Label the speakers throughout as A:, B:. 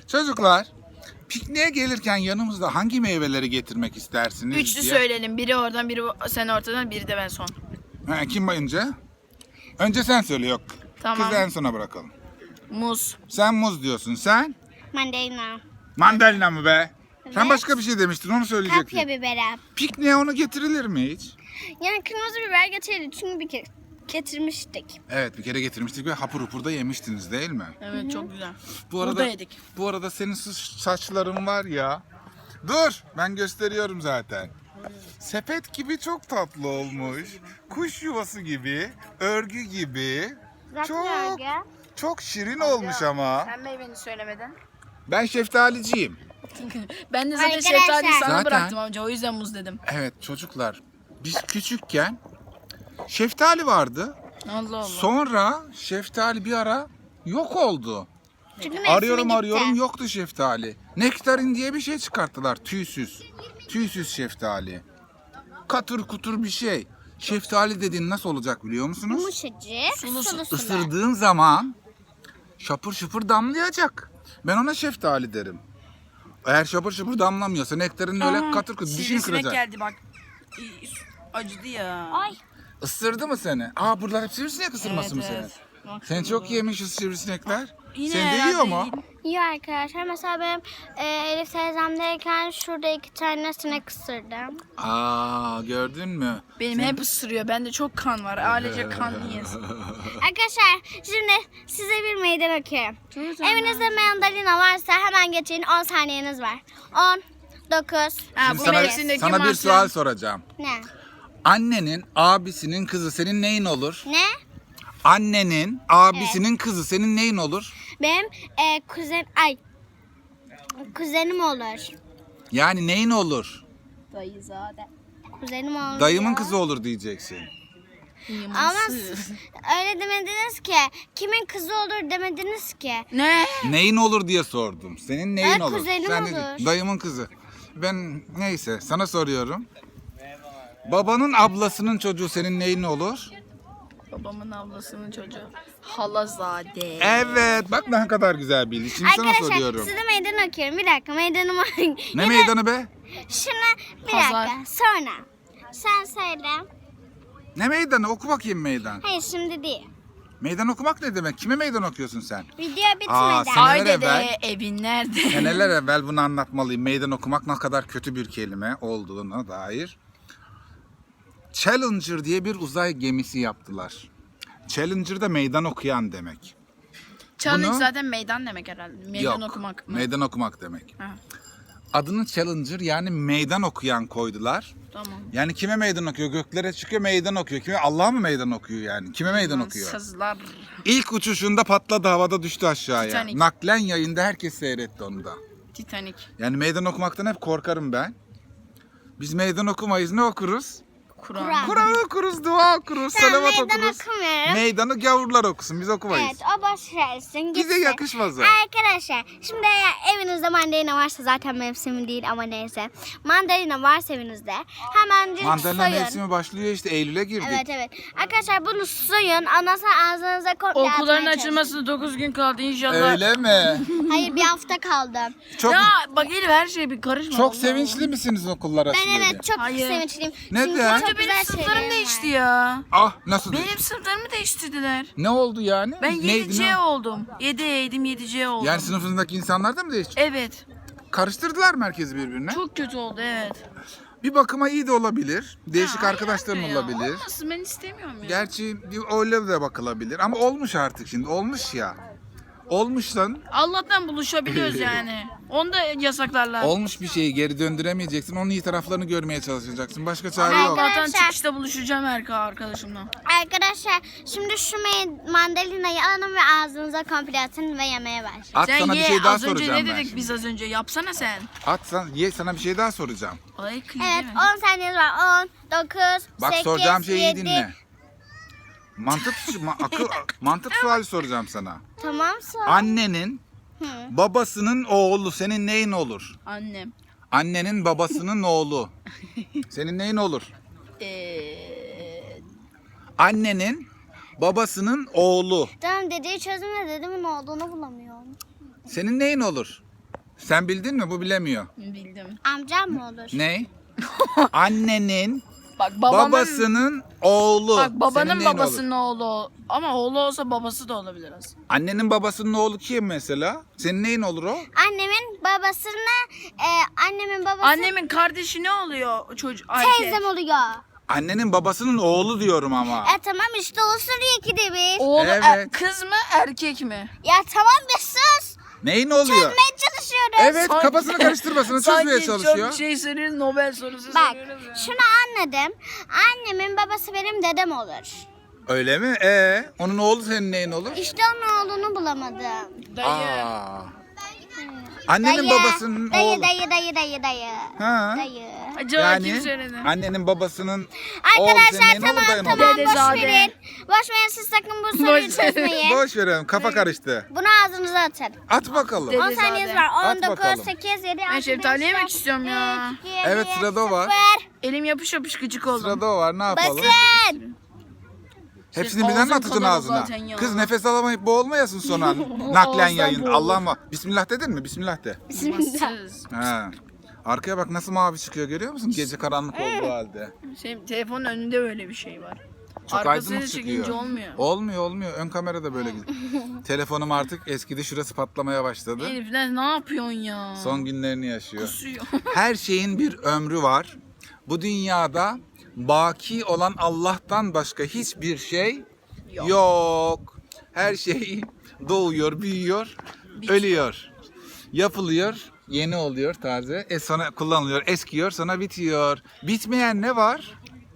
A: Çocuklar, pikniğe gelirken yanımızda hangi meyveleri getirmek istersiniz
B: Üçlü
A: diye.
B: söyleyelim. Biri oradan, biri sen ortadan, biri de ben son.
A: Ha, kim önce? Önce sen söyle, yok.
B: Tamam.
A: Kızı en sona bırakalım.
B: Muz.
A: Sen muz diyorsun, sen?
C: Mandalina.
A: Mandalina mı be? Sen
C: Evet.
A: başka bir şey demiştin, onu söyleyecektin.
C: Kapya biberi.
A: Pikniğe onu getirilir mi hiç?
C: Yani kırmızı biber getirdik çünkü bir kere getirmiştik.
A: Evet, bir kere getirmiştik ve hapur hapur da yemiştiniz değil mi?
B: Evet, çok güzel.
A: Bu
B: Burada
A: arada,
B: yedik.
A: bu arada senin saçların var ya. Dur, ben gösteriyorum zaten. Sepet gibi çok tatlı olmuş. Kuş yuvası gibi, örgü gibi. Çok çok şirin olmuş ama.
B: Sen meyveni söylemeden.
A: Ben şeftaliciyim.
B: Ben de zaten
C: Arkadaşlar.
B: şeftaliyi sana
A: Zaten-
B: bıraktım amca. O yüzden muz dedim.
A: Evet çocuklar, biz küçükken şeftali vardı.
B: Allah Allah.
A: Sonra şeftali bir ara yok oldu.
C: Çünkü mevsimi
A: Arıyorum
C: gitti.
A: yoktu şeftali. Nektarin diye bir şey çıkarttılar, tüysüz. Tüysüz şeftali. Katır kutur bir şey. Şeftali dediğin nasıl olacak biliyor musunuz?
C: Yumuşacık, sulu sulu.
A: Isırdığın zaman şapır şıpır damlayacak. Ben ona şeftali derim. Eğer şapır şıpır damlamıyorsa nektarin öyle katır kutur dişini
B: Sivrisinek
A: kıracak.
B: geldi bak. Acıdı ya.
C: Ay.
A: Isırdı mı seni? Aa, buralar hep sivrisinek ısırması mı
B: Evet,
A: senin?
B: evet. Bak
A: Sen
B: şurada.
A: çok yemişiz sivrisinekler.
B: Yine
A: Seni de
B: herhalde
A: yiyor mu?
C: İyi arkadaşlar. Mesela benim Elif teyzemdeyken şurada 2 tane sinek ısırdım.
A: Aa, gördün mü?
B: Benim hep ısırıyor. Bende çok kan var. Ailece kanlıyız.
C: Arkadaşlar şimdi size bir meydan okuyorum. Evinizde mandalina varsa hemen geçin, 10 saniyeniz var. 10, 9,
B: Ha,
A: Şimdi
B: bu
A: sana,
B: mevsimdeki
A: sana bir
B: mahsul.
A: sual soracağım.
C: ne?
A: Annenin, abisinin kızı senin neyin olur?
C: Ne?
A: Annenin, abisinin kızı senin neyin olur?
C: Benim kuzenim olur.
A: Yani neyin olur?
B: Dayızade.
C: Kuzenim olur.
A: Dayımın kızı olur diyeceksin.
C: Ama siz öyle demediniz ki. Kimin kızı olur demediniz ki.
B: Ne?
A: Neyin olur diye sordum. Senin neyin
C: Evet,
A: olur?
C: kuzenim
A: Sen
C: olur.
A: dedin, dayımın kızı. Ben neyse sana soruyorum. Babanın ablasının çocuğu senin neyin olur?
B: Babamın ablasının çocuğu. Halazade.
A: Evet, bak ne kadar güzel bildin. Şimdi sana
C: Arkadaşlar
A: soruyorum.
C: size meydan okuyorum. Bir dakika meydanımı.
A: Ne meydanı be?
C: Şuna bir
B: Pazar.
C: dakika sonra. Sen söyle.
A: Ne meydanı? Oku bakayım meydan.
C: Hayır şimdi değil.
A: Meydan okumak ne demek? Kime meydan okuyorsun sen?
C: Video
A: Aa,
C: bitmeden.
A: sen-
B: Ay
A: Seneler
B: dede
A: evvel-
B: evin nerede?
A: Seneler evvel bunu anlatmalıyım. Meydan okumak ne kadar kötü bir kelime olduğuna dair. Challenger diye bir uzay gemisi yaptılar. Challenger da meydan okuyan demek.
B: Challenge
A: Bunu-
B: zaten meydan demek herhalde. Meydan
A: Yok,
B: okumak mı?
A: meydan okumak demek.
B: Ha,
A: Adını Challenger yani meydan okuyan koydular.
B: tamam.
A: Yani kime meydan okuyor? Göklere çıkıyor meydan okuyor. Kime? Allah'a mı meydan okuyor yani? Kime meydan okuyor?
B: Sazlar.
A: İlk uçuşunda patladı, havada düştü aşağıya.
B: Titanic.
A: Naklen yayında herkes seyretti onu da.
B: Titanic.
A: Yani meydan okumaktan hep korkarım ben. Biz meydan okumayız, ne okuruz?
B: Kur'an.
A: Kur'an okuruz, dua okuruz,
C: Tamam,
A: salavat
C: meydan
A: okuruz.
C: okumuyorum.
A: Meydanı gavurlar okusun, biz okumayız.
C: Evet o boş versin.
A: Bize
C: gitsin.
A: yakışmaz o.
C: Arkadaşlar şimdi eğer evinizde mandalina varsa zaten mevsimi değil ama neyse. Mandalina varsa evinizde hemen
A: Mandalina
C: soyun.
A: mevsimi başlıyor işte, Eylül'e girdik.
C: Evet evet. Arkadaşlar bunu soyun. Ondan sonra ağzınıza komple
B: Okulların
C: atmaya çalışın.
B: açılmasına 9 gün kaldı inşallah.
A: Öyle mi?
C: Hayır bir hafta kaldı.
A: Çok
B: Ya bak Elif her şeye bir karışma.
A: çok
B: Allah
A: sevinçli misiniz okullar
C: Ben
A: açılıyor diye?
C: evet çok
B: Hayır.
C: sevinçliyim.
A: Neden?
C: Çünkü
A: Allah.
C: çok
B: Allah. Benim
C: güzel
B: sınıflarım
C: şeylerim
B: değişti
C: var.
B: ya.
A: Ah, nasıl
B: Benim
A: değil?
B: sınıflarımı değiştirdiler.
A: Ne oldu yani?
B: Ben
A: Neydi,
B: 7C
A: ne?
B: oldum. 7E'ydim 7C oldum.
A: Yani sınıfınızdaki insanlar da mı değişti?
B: Evet.
A: Karıştırdılar mı herkesi birbirine?
B: Çok kötü oldu evet.
A: Bir bakıma iyi de olabilir. Değişik
B: Ya,
A: arkadaşların
B: hayır ya,
A: olabilir.
B: Olmasın ben istemiyorum ya.
A: Gerçi öyle de bakılabilir. Ama olmuş artık şimdi. Olmuş ya. Olmuş lan.
B: Allah'tan buluşabiliyoruz yani. Onu da yasaklarlar.
A: Olmuş bir şeyi geri döndüremeyeceksin. Onun iyi taraflarını görmeye çalışacaksın. Başka çare yok.
C: Arkadaşlar-
B: Allah'tan çıkışta buluşacağım arkadaşımla.
C: Arkadaşlar şimdi şu mandalinayı alın ve ağzınıza komple atın ve yemeye başlayın.
A: At
B: Sen
A: sana bir
B: ye
A: şey daha
B: az önce
A: soracağım
B: ne
A: ben
B: dedik
A: şimdi.
B: biz az önce yapsana sen.
A: Ye, sana bir şey daha soracağım.
B: Ay kıyı
C: Evet
B: değil mi?
C: 10 saniyeniz var. 10, 9,
A: Bak
C: 8,
A: soracağım şeyi iyi
C: 7.
A: dinle. Mantık suali soracağım sana.
C: Tamam sor.
A: Annenin
C: Hı.
A: babasının oğlu senin neyin olur?
B: Annem.
A: Annenin babasının oğlu. Senin neyin olur? Annenin babasının oğlu.
C: Tamam dediği çözümle dedemin olduğunu bulamıyorum.
A: Senin neyin olur? Sen bildin mi? Bu bilemiyor.
B: Bildim.
C: Amcam mı olur?
A: Ne? Annenin
B: Bak babamın,
A: babasının oğlu.
B: bak
A: Senin
B: babanın
A: neyin
B: babasının
A: olur?
B: oğlu. Ama oğlu olsa babası da olabilir aslında.
A: Annenin babasının oğlu kim mesela? Senin neyin olur o?
C: Annemin babası
B: Annemin kardeşi ne oluyor çocuk? Erkek.
C: teyzem oluyor.
A: Annenin babasının oğlu diyorum ama.
C: Tamam işte olsun ikide bir.
B: Oğlu
A: Evet.
B: kız mı erkek mi?
C: Ya tamam bir sus.
A: Neyin oluyor?
C: Çözmeye çalışıyoruz.
A: Evet,
B: Sanki-
A: kafasını karıştırmasını çözmeye
B: Sanki
A: çalışıyor.
B: çok şey soruyoruz, Nobel sorusu
C: Bak
B: soruyoruz ya.
C: şunu anladım. Annemin babası benim dedem olur.
A: Öyle mi? Onun oğlu senin neyin olur?
C: İşte onun oğlunu bulamadım.
B: Dayı.
A: Aa. Annenin babasının oğlu.
C: Dayı.
A: Ha.
C: Dayı.
B: Acaba kim söyledi?
A: Annenin babasının oğlu senin
C: Arkadaşlar
A: neyin olur,
C: tamam
A: dayın olur?
C: boş
B: Dedezade.
C: verin. Boş verin siz sakın bu soruyu
B: Boş verin.
C: çözmeyin.
A: Boş verelim, kafa karıştı.
C: Bunu ağzınıza atın.
A: At bakalım.
B: Dede-
C: 10
B: Dedezade.
C: saniyeniz var.
A: At
C: 19,
A: bakalım.
C: 8, 7, 6,
B: Ben
C: 5,
B: şeftali yemek
C: 4,
B: istiyorum ya.
C: 3, 2,
A: Evet, sırada o var.
C: 0.
B: Elim yapış yapış gıcık oldum.
A: Sırada o var, ne yapalım?
C: Basın.
A: Hepsini birden mi
B: Ağzım
A: atacaksın
B: kadar
A: ağzına?
B: zaten ya.
A: Kız nefes alamayıp boğulmayasın son an. Naklen
B: Ağızdan
A: yayın.
B: boğulur.
A: Allah mı? Bismillah dedin mi? Bismillah de.
B: Bassız.
A: Ha. Arkaya bak nasıl mavi çıkıyor, görüyor musun? Gece karanlık olduğu halde.
B: Telefonun önünde öyle bir şey var.
A: Çok
B: Arkasını
A: aydınlık
B: çekince
A: çıkıyor.
B: olmuyor.
A: Olmuyor. Ön kamera da böyle gidiyor. Telefonum artık eskidi, şurası patlamaya başladı.
B: Elif ne yapıyorsun ya?
A: Son günlerini yaşıyor.
B: Kusuyor.
A: Her şeyin bir ömrü var. Bu dünyada baki olan Allah'tan başka hiçbir şey yok. Her şey doğuyor, büyüyor, ölüyor. Yapılıyor, yeni oluyor taze. Sonra kullanılıyor, eskiyor, sonra bitiyor. Bitmeyen ne var?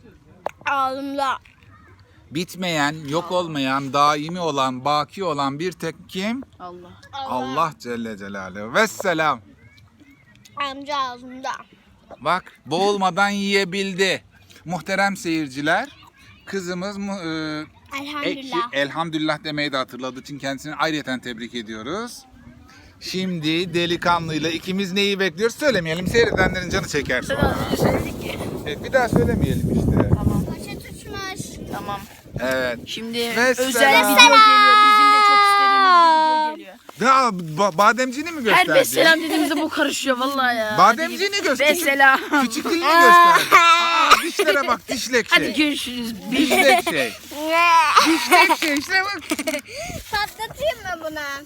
C: Ağzımda.
A: Bitmeyen, yok olmayan, daimi olan, baki olan bir tek kim?
B: Allah.
A: Allah Celle Celaluhu. Vesselam.
C: Amca ağzımda.
A: Bak, boğulmadan yiyebildi. Muhterem seyirciler, kızımız
C: Elhamdülillah.
A: elhamdülillah demeyi de hatırladığı için kendisini ayrıyeten tebrik ediyoruz. Şimdi delikanlıyla ikimiz neyi bekliyoruz söylemeyelim. Seyredenlerin canı çeker
B: Sen
A: sonra.
B: az önce söyledik ki.
A: Evet, bir daha söylemeyelim işte.
B: Tamam.
C: Poşet uçmuş.
B: Tamam.
A: Evet.
B: Şimdi
A: Ve
B: özel
A: selam.
B: video geliyor. Bizim de çok istediğimiz bir video geliyor.
A: Ya bademciğini mi
B: Her
A: gösterdi?
B: besselam dediğimizde bu karışıyor vallahi ya.
A: Bademciğini göster.
B: Besselam.
A: Küçük dilini gösterdi. Dişlere bak, dişlek
B: Hadi
A: şey.
B: görüşürüz.
A: Dişlek şey. Dişlek şey işte bak.
C: Patlatayım mı bunu?